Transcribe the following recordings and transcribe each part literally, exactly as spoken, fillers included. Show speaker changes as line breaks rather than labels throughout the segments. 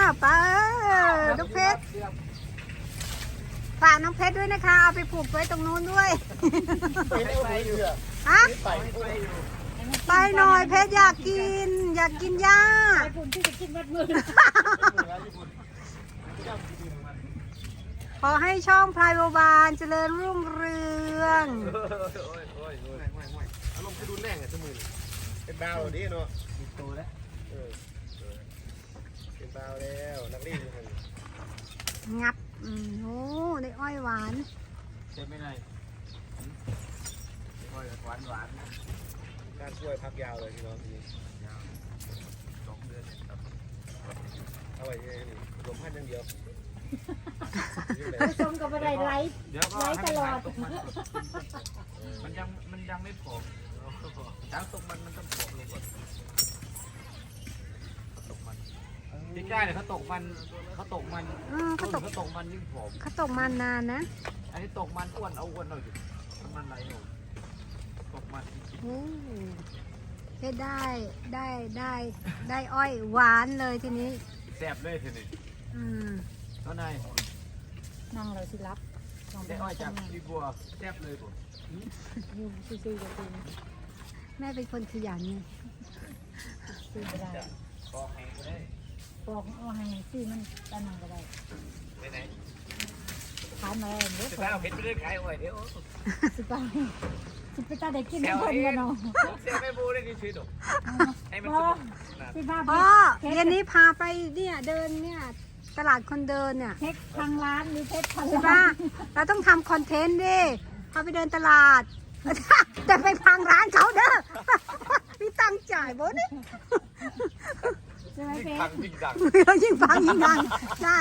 ป้าน้องเพชรฝากน้องเพชรด้วยนะคะเอาไปผูกไว้ตรงนู้นด้วยฮะไปหน่อยเพชรอยากกินอยากกินหญ้าขอให้ช่องพลายโบบานเจริญรุ่งเรือง
อารมณ์จะดูแรงอ่ะสมุนเป็นดาวดิเนาะมีโตแล้วเออเป็นดาวแล้วนักเรียนอยู่
งับอืมโอ้ได้อ้อยหวาน
ใช่ไหมนายอ้อยหวานหวาน
การช่วยพักยาวเลยพี่น้องทีนี้
สองเดือน
เอาไว้ยังไงนี่รวมพันอย่างเดียว
ผสมกับอะไรไร้ไร้ตลอด
มันยังมันยังไม่ผอมจ้างตกมันมันต้องผอมลงก่อนตกมันที่ใกล้เนี่ยเขาตกมันเขาตกมัน
เขาตก
เขาตกมันยิ่งผอม
เขาตกมันนานนะ
อันนี้ตกมันอ้วนเอาอ้วนเราอยู่มันไหลอยู่ตกมัน
โอ้ได้ได้ได้ได้ได้อ้อยหวานเลยทีนี้
แซ่บเลยทีนี้
อืม
เท่าไหร่
นั่งเราสิรับ
ได้อ้อยจากพี่บัวแซ่บเลยผม
อยู่ซื่อๆกับคุณ
แม่เป็นคนขยันไง
ซื้อก็ได้
บอกให้ก็ได้
บอกเอาให้ซื้อมันตะนังก็ได้
ไปไหน
ขายมาเดี๋ยว
สิบห้าเพชรไปเรื่อยขายอ้อยเดี๋ยว
สิบห้าสิบไปตาได้กินไม่คนกันเนาะ
เสียไม่บูได้ดีชีวิตหรอให้มัน
สิบห้า
พ่อเย็นนี้พาไปเนี่ยเดินเนี่ยตลาดคนเดินเนี่ย
เพชรทางร้านหรือเพชรทาง
ใช่ปะเราต้องทำคอนเทนต์ดิพาไปเดินตลาดแต่ไปพังร้านเขาเด้อมีตังจ่ายบ่เนี่ย
ใช่ไหมเพชร
ยิ่งดัง
ยิ่งฟังยิ่งดังใช่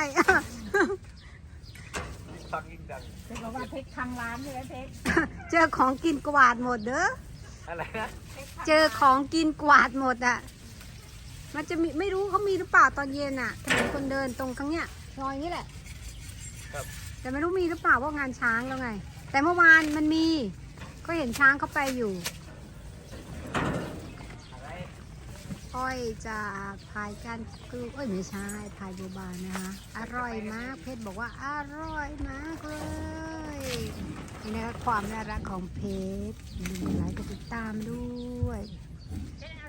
ยิ่งฟังยิ่งดัง
เพชรบอกว่าเพชรทางร้านใช่ไหมเพชร
เจอของกินกวาดหมดเด้อ
อะไรนะ
เจอของกินกวาดหมดอ่ะมันจะมีไม่รู้เขามีหรือเปล่าตอนเย็นอ่ะถนนคนเดินตรงข้างเนี้ยรอยนี้แหละแต่ไม่รู้มีหรือเปล่าว่างานช้างแล้วไงแต่เมื่อวานมันมีก็เห็นช้างเขาไปอยู่อ้อยจากพายกันคือเอ้ยไม่ใช่พายโบบานนะคะอร่อยมากเพชรบอกว่าอร่อยมากเลยนี่นะคะความน่ารักของเพชรมีหลายกดติดตามด้วย